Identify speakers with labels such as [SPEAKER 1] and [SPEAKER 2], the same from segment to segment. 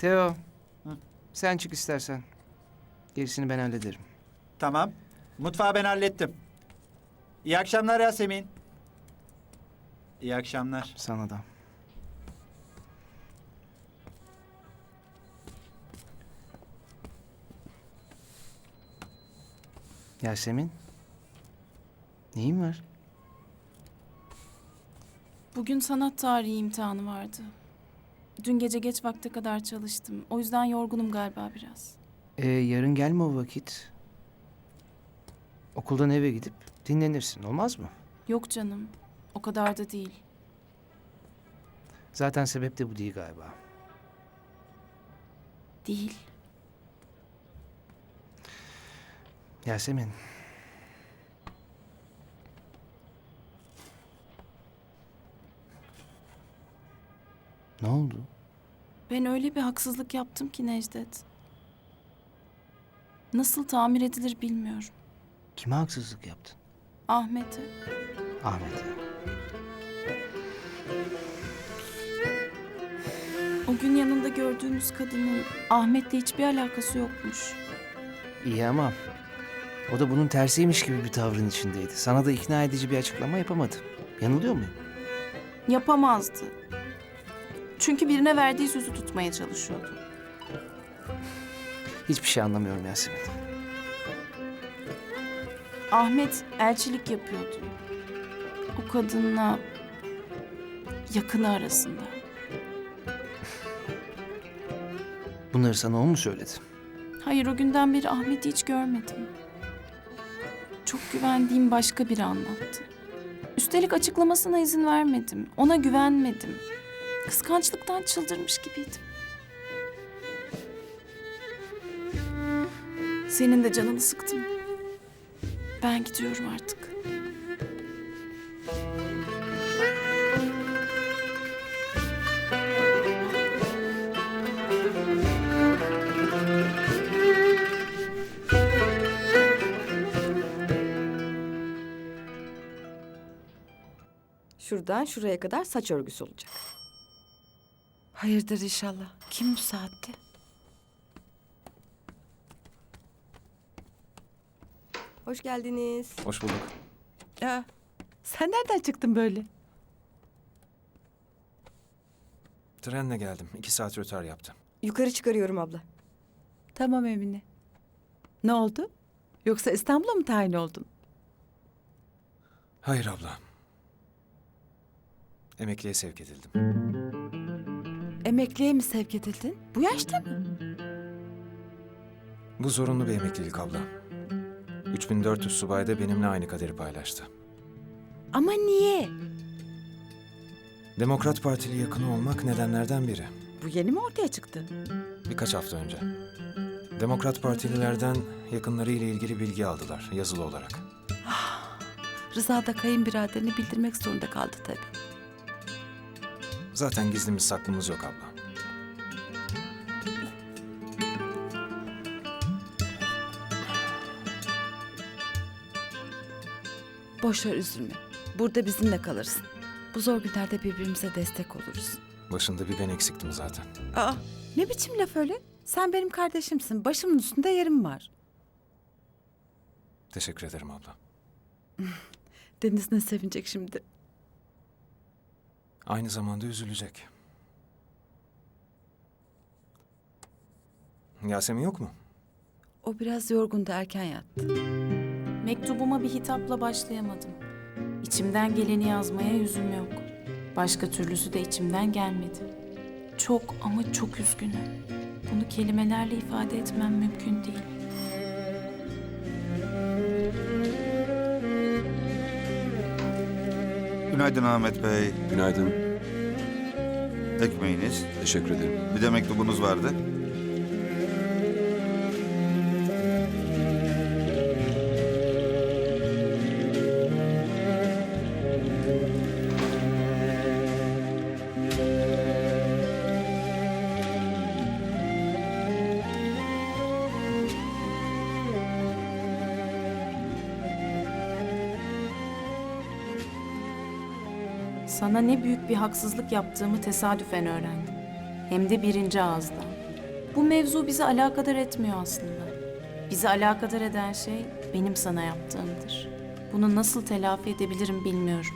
[SPEAKER 1] Teo,
[SPEAKER 2] Hı.
[SPEAKER 1] sen çık istersen. Gerisini ben hallederim.
[SPEAKER 2] Tamam. Mutfağı ben hallettim. İyi akşamlar Yasemin. İyi akşamlar.
[SPEAKER 1] Sana da. Yasemin, neyin var?
[SPEAKER 3] Bugün sanat tarihi imtihanı vardı. Dün gece geç vakte kadar çalıştım. O yüzden yorgunum galiba biraz.
[SPEAKER 1] Yarın gelme o vakit. Okuldan eve gidip dinlenirsin, olmaz mı?
[SPEAKER 3] Yok canım, o kadar da değil.
[SPEAKER 1] Zaten sebep de bu değil galiba.
[SPEAKER 3] Değil.
[SPEAKER 1] Yasemin. Ne oldu?
[SPEAKER 3] Ben öyle bir haksızlık yaptım ki Necdet. Nasıl tamir edilir bilmiyorum.
[SPEAKER 1] Kime haksızlık yaptın?
[SPEAKER 3] Ahmet'e.
[SPEAKER 1] Ahmet'e.
[SPEAKER 3] O gün yanında gördüğümüz kadının Ahmet'le hiçbir alakası yokmuş.
[SPEAKER 1] İyi ama o da bunun tersiymiş gibi bir tavrın içindeydi. Sana da ikna edici bir açıklama yapamadı. Yanılıyor muyum?
[SPEAKER 3] Yapamazdı. Çünkü birine verdiği sözü tutmaya çalışıyordu.
[SPEAKER 1] Hiçbir şey anlamıyorum Yasemin.
[SPEAKER 3] Ahmet elçilik yapıyordu. O kadınla yakını arasında.
[SPEAKER 1] Bunları sana o mu söyledi?
[SPEAKER 3] Hayır, o günden beri Ahmet'i hiç görmedim. Çok güvendiğim başka biri anlattı. Üstelik açıklamasına izin vermedim. Ona güvenmedim. Kıskançlıktan çıldırmış gibiydim. Senin de canını sıktım. Ben gidiyorum artık.
[SPEAKER 4] Şuradan şuraya kadar saç örgüsü olacak.
[SPEAKER 5] Hayırdır inşallah. Kim bu saatte?
[SPEAKER 4] Hoş geldiniz.
[SPEAKER 6] Hoş bulduk.
[SPEAKER 5] Ya, sen nereden çıktın böyle?
[SPEAKER 6] Trenle geldim. 2 saat rötar yaptım.
[SPEAKER 4] Yukarı çıkarıyorum abla.
[SPEAKER 5] Tamam Emine. Ne oldu? Yoksa İstanbul'a mı tayin oldun?
[SPEAKER 6] Hayır abla. Emekliye sevk edildim.
[SPEAKER 5] Emekliye mi sevk edildin? Bu yaşta mı?
[SPEAKER 6] Bu zorunlu bir emeklilik abla. 3400 subay da benimle aynı kaderi paylaştı.
[SPEAKER 5] Ama niye?
[SPEAKER 6] Demokrat Partili yakını olmak nedenlerden biri.
[SPEAKER 5] Bu yeni mi ortaya çıktı?
[SPEAKER 6] Birkaç hafta önce. Demokrat Partililerden yakınlarıyla ilgili bilgi aldılar yazılı olarak.
[SPEAKER 5] Rıza da kayınbiraderini bildirmek zorunda kaldı tabii.
[SPEAKER 6] Zaten gizlimiz saklımız yok abla.
[SPEAKER 5] Boş ver üzülme. Burada bizimle kalırsın. Bu zor günlerde birbirimize destek oluruz.
[SPEAKER 6] Başında bir ben eksiktim zaten.
[SPEAKER 5] Aa, ne biçim laf öyle? Sen benim kardeşimsin. Başımın üstünde yerim var.
[SPEAKER 6] Teşekkür ederim abla.
[SPEAKER 5] Deniz ne sevinecek şimdi?
[SPEAKER 6] Aynı zamanda üzülecek. Yasemin yok mu?
[SPEAKER 5] O biraz yorgundu, erken yattı.
[SPEAKER 3] Mektubuma bir hitapla başlayamadım. İçimden geleni yazmaya yüzüm yok. Başka türlüsü de içimden gelmedi. Çok ama çok üzgünüm. Bunu kelimelerle ifade etmem mümkün değil.
[SPEAKER 7] Günaydın Ahmet Bey.
[SPEAKER 8] Günaydın.
[SPEAKER 7] Ekmeğiniz.
[SPEAKER 8] Teşekkür ederim.
[SPEAKER 7] Bir de mektubunuz vardı.
[SPEAKER 3] Sana ne büyük bir haksızlık yaptığımı tesadüfen öğrendim. Hem de birinci ağızdan. Bu mevzu bizi alakadar etmiyor aslında. Bizi alakadar eden şey benim sana yaptığımdır. Bunu nasıl telafi edebilirim bilmiyorum.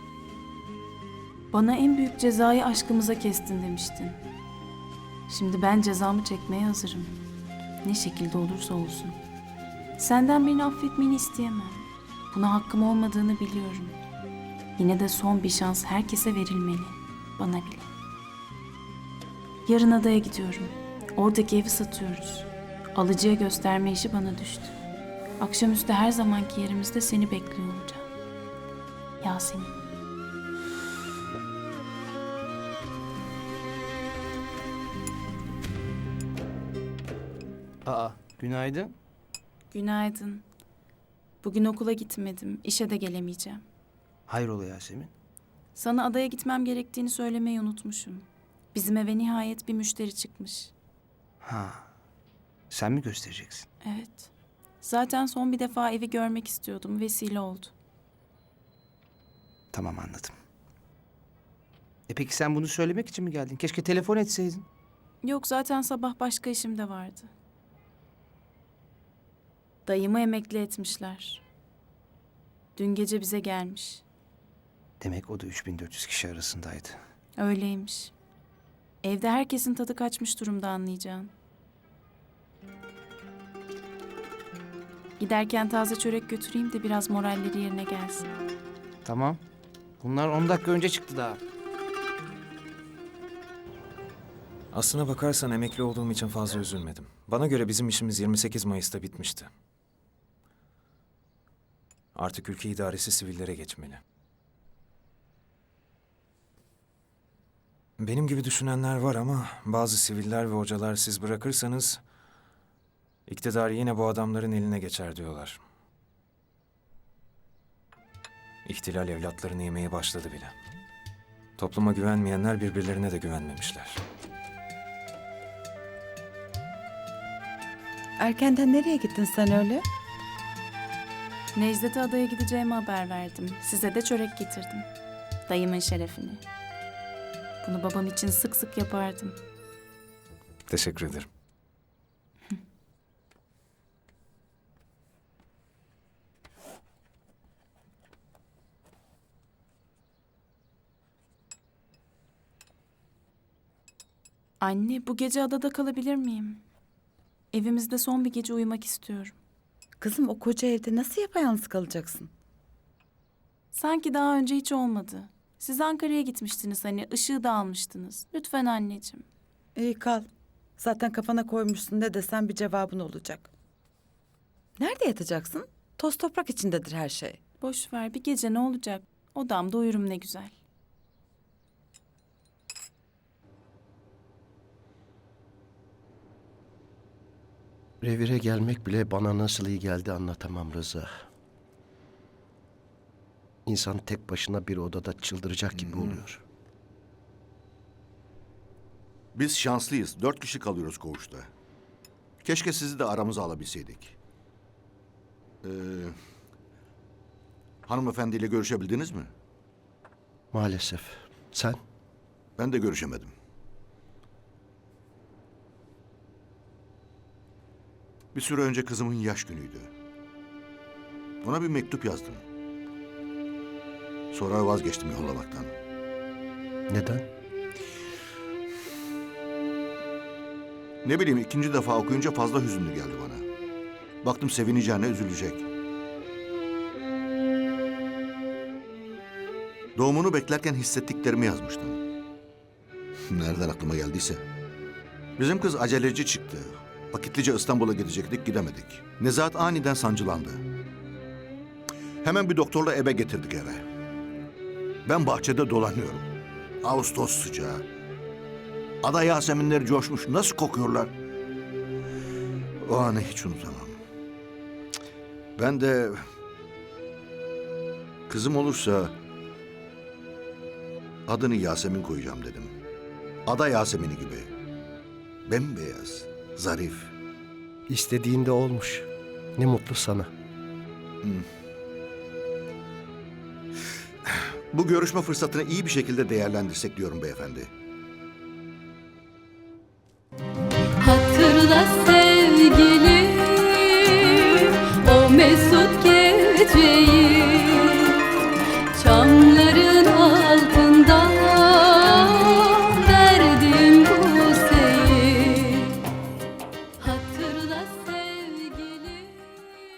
[SPEAKER 3] Bana en büyük cezayı aşkımıza kestin demiştin. Şimdi ben cezamı çekmeye hazırım. Ne şekilde olursa olsun. Senden beni affetmeni isteyemem. Buna hakkım olmadığını biliyorum. Yine de son bir şans herkese verilmeli. Bana bile. Yarın adaya gidiyorum. Oradaki evi satıyoruz. Alıcıya gösterme işi bana düştü. Akşamüstü her zamanki yerimizde seni bekliyor olacağım. Yasemin.
[SPEAKER 1] Aa, günaydın.
[SPEAKER 3] Günaydın. Bugün okula gitmedim. İşe de gelemeyeceğim.
[SPEAKER 1] Hayrola Yasemin?
[SPEAKER 3] Sana adaya gitmem gerektiğini söylemeyi unutmuşum. Bizim eve nihayet bir müşteri çıkmış.
[SPEAKER 1] Ha, sen mi göstereceksin?
[SPEAKER 3] Evet. Zaten son bir defa evi görmek istiyordum. Vesile oldu.
[SPEAKER 1] Tamam, anladım. Peki sen bunu söylemek için mi geldin? Keşke telefon etseydin.
[SPEAKER 3] Yok, zaten sabah başka işim de vardı. Dayımı emekli etmişler. Dün gece bize gelmiş.
[SPEAKER 1] Demek o da 3400 kişi arasındaydı.
[SPEAKER 3] Öyleymiş. Evde herkesin tadı kaçmış durumda, anlayacağın. Giderken taze çörek götüreyim de biraz moralleri yerine gelsin.
[SPEAKER 1] Tamam. Bunlar 10 dakika önce çıktı daha.
[SPEAKER 6] Aslına bakarsan emekli olduğum için fazla üzülmedim. Bana göre bizim işimiz 28 Mayıs'ta bitmişti. Artık ülke idaresi sivillere geçmeli. Benim gibi düşünenler var ama bazı siviller ve hocalar siz bırakırsanız iktidar yine bu adamların eline geçer diyorlar. İhtilal evlatlarını yemeye başladı bile. Topluma güvenmeyenler birbirlerine de güvenmemişler.
[SPEAKER 5] Erkenden nereye gittin sen öyle?
[SPEAKER 3] Necdet'e adaya gideceğimi haber verdim. Size de çörek getirdim. Dayımın şerefine. Bunu babam için sık sık yapardım.
[SPEAKER 6] Teşekkür ederim.
[SPEAKER 3] Anne, bu gece adada kalabilir miyim? Evimizde son bir gece uyumak istiyorum.
[SPEAKER 5] Kızım, o koca evde nasıl yapayalnız kalacaksın?
[SPEAKER 3] Sanki daha önce hiç olmadı. Siz Ankara'ya gitmiştiniz hani, ışığı da almıştınız. Lütfen anneciğim.
[SPEAKER 5] İyi kal. Zaten kafana koymuşsun, ne desem bir cevabın olacak. Nerede yatacaksın? Toz toprak içindedir her şey.
[SPEAKER 3] Boş ver, bir gece ne olacak? Odamda uyurum ne güzel.
[SPEAKER 8] Revire gelmek bile bana nasıl iyi geldi anlatamam Rıza. İnsan tek başına bir odada çıldıracak gibi oluyor.
[SPEAKER 9] Biz şanslıyız. 4 kişi kalıyoruz koğuşta. Keşke sizi de aramıza alabilseydik. Hanımefendiyle görüşebildiniz mi?
[SPEAKER 8] Maalesef. Sen?
[SPEAKER 9] Ben de görüşemedim. Bir süre önce kızımın yaş günüydü. Ona bir mektup yazdım. Sonra vazgeçtim yollamaktan.
[SPEAKER 8] Neden?
[SPEAKER 9] Ne bileyim, ikinci defa okuyunca fazla hüzünlü geldi bana. Baktım sevineceğine üzülecek. Doğumunu beklerken hissettiklerimi yazmıştım. Nereden aklıma geldiyse. Bizim kız aceleci çıktı. Vakitlice İstanbul'a gidecektik, gidemedik. Nezahat aniden sancılandı. Hemen bir doktorla eve getirdik eve. Ben bahçede dolanıyorum. Ağustos sıcağı. Ada yaseminleri coşmuş, nasıl kokuyorlar. O anı hiç unutamam. Ben de kızım olursa adını Yasemin koyacağım dedim. Ada Yasemini gibi. Bembeyaz, zarif.
[SPEAKER 8] İstediğinde olmuş. Ne mutlu sana.
[SPEAKER 9] Bu görüşme fırsatını iyi bir şekilde değerlendirsek diyorum beyefendi.
[SPEAKER 10] Hatırla sevgilim o mesut geceyi.